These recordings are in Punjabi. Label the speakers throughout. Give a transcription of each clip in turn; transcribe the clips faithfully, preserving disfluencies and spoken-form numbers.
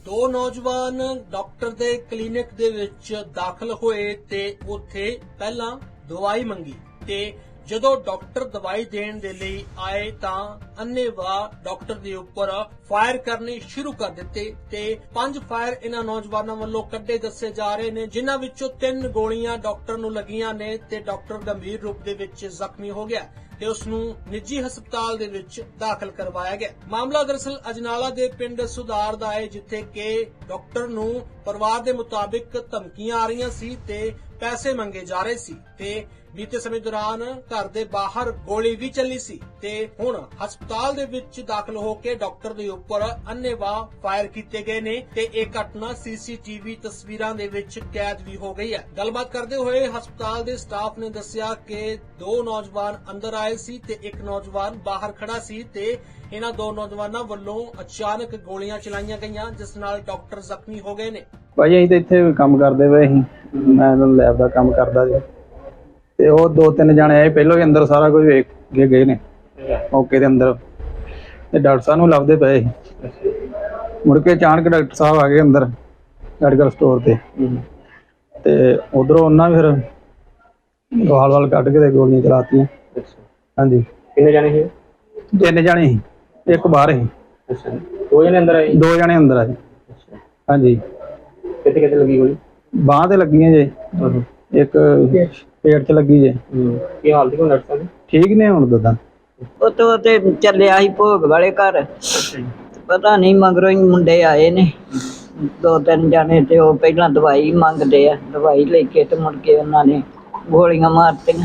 Speaker 1: ਦੋ ਨੌਜਵਾਨ ਡਾਕਟਰ ਦੇ ਕਲੀਨਿਕ ਦੇ ਵਿੱਚ ਦਾਖਲ ਹੋਏ ਤੇ ਉੱਥੇ ਪਹਿਲਾਂ ਦਵਾਈ ਮੰਗੀ ਤੇ ਜਦੋਂ ਡਾਕਟਰ ਦਵਾਈ ਦੇਣ ਦੇ ਲਈ ਆਏ ਤਾਂ ਅੰਨ੍ਹੇਵਾਹ ਡਾਕਟਰ ਦੇ ਉੱਪਰ ਫਾਇਰ ਕਰਨੇ ਸ਼ੁਰੂ ਕਰ ਦਿੱਤੇ ਤੇ ਪੰਜ ਫਾਇਰ ਇਹਨਾਂ ਨੌਜਵਾਨਾਂ ਵੱਲੋਂ ਕੱਢੇ ਦੱਸੇ ਜਾ ਰਹੇ ਨੇ, ਜਿਨ੍ਹਾਂ ਵਿੱਚੋਂ ਤਿੰਨ ਗੋਲੀਆਂ ਡਾਕਟਰ ਨੂੰ ਲੱਗੀਆਂ ਨੇ ਤੇ ਡਾਕਟਰ ਗੰਭੀਰ ਰੂਪ ਦੇ ਵਿੱਚ ਜ਼ਖਮੀ ਹੋ ਗਿਆ ਤੇ ਉਸ ਨੂੰ ਨਿੱਜੀ ਹਸਪਤਾਲ ਦੇ ਵਿੱਚ ਦਾਖਲ ਕਰਵਾਇਆ ਗਿਆ। ਮਾਮਲਾ ਦਰਅਸਲ ਅਜਨਾਲਾ ਦੇ ਪਿੰਡ ਸੁਧਾਰ ਦਾ ਹੈ, ਜਿੱਥੇ ਕਿ ਡਾਕਟਰ ਨੂੰ ਪਰਿਵਾਰ ਦੇ ਮੁਤਾਬਿਕ ਧਮਕੀਆਂ ਆ ਰਹੀਆਂ ਸੀ ਤੇ ਪੈਸੇ ਮੰਗੇ ਜਾ ਰਹੇ ਸੀ ਤੇ ਬੀਤੇ ਸਮੇਂ ਦੌਰਾਨ ਘਰ ਦੇ ਬਾਹਰ ਗੋਲੀ ਵੀ ਚੱਲੀ ਸੀ ਤੇ ਹੁਣ ਹਸਪਤਾਲ ਦੇ ਵਿੱਚ ਦਾਖਲ ਹੋ ਕੇ ਡਾਕਟਰ ਦੇ ਉੱਪਰ ਅੰਨ੍ਹੇਵਾਹ ਫਾਇਰ ਕੀਤੇ ਗਏ ਨੇ ਤੇ ਇਹ ਘਟਨਾ ਸੀਸੀਟੀਵੀ ਤਸਵੀਰਾਂ ਦੇ ਵਿੱਚ ਕੈਦ ਵੀ ਹੋ ਗਈ ਹੈ। ਗੱਲਬਾਤ ਕਰਦੇ ਹੋਏ ਹਸਪਤਾਲ ਦੇ ਸਟਾਫ ਨੇ ਦੱਸਿਆ ਕਿ ਦੋ ਨੌਜਵਾਨ ਅੰਦਰ ਆਏ ਸੀ ਤੇ ਇੱਕ ਨੌਜਵਾਨ ਬਾਹਰ ਖੜਾ ਸੀ ਤੇ ਇਹਨਾਂ ਦੋ ਨੌਜਵਾਨਾਂ ਵੱਲੋਂ ਅਚਾਨਕ ਗੋਲੀਆਂ ਚਲਾਈਆਂ ਗਈਆਂ, ਜਿਸ ਨਾਲ ਡਾਕਟਰ ਜ਼ਖਮੀ ਹੋ ਗਏ ਨੇ।
Speaker 2: ਭਾਈ ਅਸੀਂ ਤਾਂ ਇੱਥੇ ਕੰਮ ਕਰਦੇ ਪਏ ਸੀ, ਮੈਂ ਲੈਬ ਦਾ ਕੰਮ ਕਰਦਾ ਜੀ ਤੇ ਉਹ ਦੋ ਤਿੰਨ ਜਾਣੇ ਆਏ, ਪਹਿਲਾਂ ਹੀ ਅੰਦਰ ਸਾਰਾ ਕੁਝ ਵੇਖ ਕੇ ਗਏ ਨੇ ਮੌਕੇ ਦੇ ਅੰਦਰ ਤੇ ਡਾਕਟਰ ਸਾਹਿਬ ਨੂੰ ਲੱਭਦੇ ਪਏ ਸੀ। ਮੁੜ ਕੇ ਅਚਾਨਕ ਡਾਕਟਰ ਸਾਹਿਬ ਆ ਗਏ ਅੰਦਰ ਮੈਡੀਕਲ ਸਟੋਰ ਤੇ ਤੇ ਉਧਰੋਂ ਉਹਨਾਂ ਫਿਰ ਗਾਲ ਵਾਲ ਕੱਢ ਕੇ ਤੇ ਗੋਲੀਆਂ ਚਲਾਤੀਆਂ। ਹਾਂਜੀ।
Speaker 3: ਕਿੰਨੇ ਜਾਣੇ ਸੀ?
Speaker 2: ਤਿੰਨ ਜਾਣੇ ਸੀ, ਇੱਕ ਬਾਹਰ ਸੀ।
Speaker 3: ਅੱਛਾ, ਦੋ ਜਣੇ ਅੰਦਰ ਆਏ?
Speaker 2: ਦੋ ਜਣੇ ਅੰਦਰ ਆਏ। ਹਾਂਜੀ।
Speaker 3: ਕਿੱਥੇ ਕਿੱਥੇ ਲੱਗੀ ਗੋਲੀ?
Speaker 2: ਬਾਂਹ ਤੇ ਲੱਗੀਆਂ ਜੇ, ਇੱਕ ਪੇਟ 'ਚ ਲੱਗੀ ਜੇ।
Speaker 3: ਕੀ ਹਾਲਤ ਹੈ ਡਾਕਟਰ ਸਾਹਿਬ?
Speaker 2: ਠੀਕ ਨੇ ਹੁਣ ਦਦਾ।
Speaker 4: ਉਹ ਤੇ ਚੱਲਿਆ ਸੀ ਭੋਗ ਵਾਲੇ ਘਰ, ਪਤਾ ਨਹੀਂ ਮਗਰੋਂ ਹੀ ਮੁੰਡੇ ਆਏ ਨੇ ਦੋ ਤਿੰਨ ਜਾਣੇ ਤੇ ਉਹ ਪਹਿਲਾਂ ਦਵਾਈ ਮੰਗਦੇ ਆ, ਦਵਾਈ ਲੈ ਕੇ ਤੇ ਮੁੜ ਕੇ ਉਹਨਾਂ ਨੇ ਗੋਲੀਆਂ ਮਾਰਤੀਆਂ।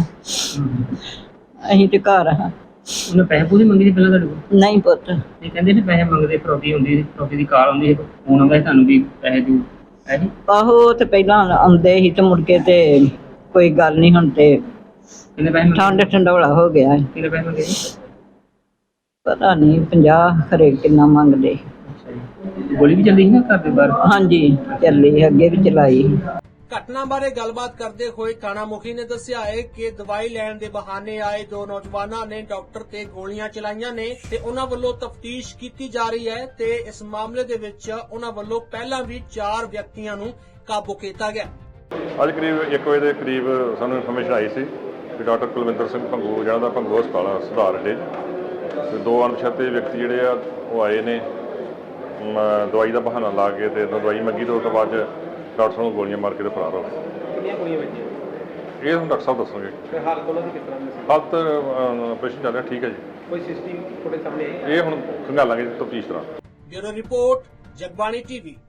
Speaker 4: ਅਸੀਂ ਤੇ ਘਰ ਹਾਂ।
Speaker 3: ਉਹਨੇ ਪੈਸੇ ਪੂਸੇ ਮੰਗੇ ਸੀ ਪਹਿਲਾਂ ਤੁਹਾਡੇ ਕੋਲ?
Speaker 4: ਨਹੀਂ ਪੁੱਤ।
Speaker 3: ਇਹ ਕਹਿੰਦੇ ਨੇ ਪੈਸੇ ਮੰਗਦੇ, ਫਰੋਤੀ ਹੁੰਦੀ ਸੀ, ਫਰੋਤੀ ਦੀ ਕਾਲ ਹੁੰਦੀ ਸੀ, ਫੋਨ ਆਉਂਦਾ ਸੀ ਤੁਹਾਨੂੰ ਵੀ ਪੈਸੇ ਦਿਓ, ਹੈ ਜੀ?
Speaker 4: ਆਹੋ ਤੇ ਪਹਿਲਾਂ ਆਉਂਦੇ ਸੀ ਤੇ ਮੁੜ ਕੇ ਤੇ ਕੋਈ ਗੱਲ ਨਹੀਂ, ਹੁਣ ਤੇ
Speaker 3: ਕਿੰਨੇ ਪੈਸੇ ਮੰਗੇ?
Speaker 4: ਠੰਡ ਠੰਡੋਲਾ ਹੋ ਗਿਆ।
Speaker 3: ਕਿੰਨੇ ਪੈਸੇ ਮੰਗੇ ਜੀ?
Speaker 4: ਪਤਾ ਨਹੀਂ ਪੰਜਾਹ ਖਰੇ ਕਿੰਨਾ ਮੰਗਦੇ।
Speaker 3: ਅੱਛਾ ਜੀ। ਗੋਲੀ ਵੀ ਚੱਲੀ ਸੀ ਨਾ ਘਰ ਦੇ ਬਾਹਰ?
Speaker 4: ਹਾਂਜੀ ਚੱਲੀ, ਅੱਗੇ ਵੀ ਚਲਾਈ।
Speaker 1: ਘਟਨਾ ਬਾਰੇ ਗੱਲਬਾਤ ਕਰਦੇ ਹੋਏ ਥਾਣਾ ਮੁਖੀ ਨੇ ਦੱਸਿਆ ਹੈ ਕਿ ਦਵਾਈ ਲੈਣ ਦੇ ਬਹਾਨੇ ਆਏ ਦੋ ਨੌਜਵਾਨਾਂ ਨੇ ਡਾਕਟਰ ਤੇ ਗੋਲੀਆਂ ਚਲਾਈਆਂ ਨੇ ਤੇ ਉਹਨਾਂ ਵੱਲੋਂ ਤਫਤੀਸ਼ ਕੀਤੀ ਜਾ ਰਹੀ ਹੈ ਤੇ ਇਸ ਮਾਮਲੇ ਦੇ ਵਿੱਚ ਉਹਨਾਂ ਵੱਲੋਂ ਪਹਿਲਾਂ ਵੀ ਚਾਰ ਵਿਅਕਤੀਆਂ ਨੂੰ ਕਾਬੂ ਕੀਤਾ ਗਿਆ।
Speaker 5: ਅੱਜ ਕਰੀਬ ਇੱਕ ਵਜੇ ਦੇ ਕਰੀਬ ਸਾਨੂੰ ਇਨਫੋਰਮੇਸ਼ਨ ਆਈ ਸੀ ਕਿ ਡਾਕਟਰ ਕੁਲਵਿੰਦਰ ਸਿੰਘ ਭੰਗੂ ਜਿਹਨਾਂ ਦਾ ਭੰਗੂ ਹਸਪਤਾਲ ਆ ਸੁਧਾਰ ਅੱਡੇ ਤੇ ਦੋ ਅਣਪਛਾਤੇ ਵਿਅਕਤੀ ਜਿਹੜੇ ਆ ਉਹ ਆਏ ਨੇ, ਦਵਾਈ ਦਾ ਬਹਾਨਾ ਲਾ ਕੇ ਤੇ ਦਵਾਈ ਮੰਗੀ ਤੇ ਉਸ ਤੋਂ ਬਾਅਦ ਡਾਕਟਰ ਸਾਹਿਬ ਨੂੰ ਗੋਲੀਆਂ ਮਾਰ ਕੇ ਤੇ ਫਰਾਰ ਹੋ ਗਏ।
Speaker 3: ਕਿੰਨੀਆਂ ਗੋਲੀਆਂ ਵੱਜੀਆਂ?
Speaker 5: ਇਹ ਹੁਣ ਡਾਕਟਰ ਸਾਹਿਬ ਦੱਸਣਗੇ।
Speaker 3: ਤੇ ਹਾਲਤ ਉਹਨਾਂ ਦੀ ਕਿਸ ਤਰ੍ਹਾਂ ਦੀ ਸੀ?
Speaker 5: ਹਾਲਤ ਆਪਰੇਸ਼ਨ ਚੱਲ ਰਿਹਾ, ਠੀਕ ਹੈ ਜੀ।
Speaker 3: ਕੋਈ ਸੀਸੀਟੀਵੀ ਫੁਟੇਜ ਸਾਹਮਣੇ ਆਈ?
Speaker 5: ਇਹ ਹੁਣ ਖੰਗਾਲਾਂਗੇ ਤਫਤੀਸ਼ ਤਰ੍ਹਾਂ।
Speaker 1: Bureau report, Jagbani TV.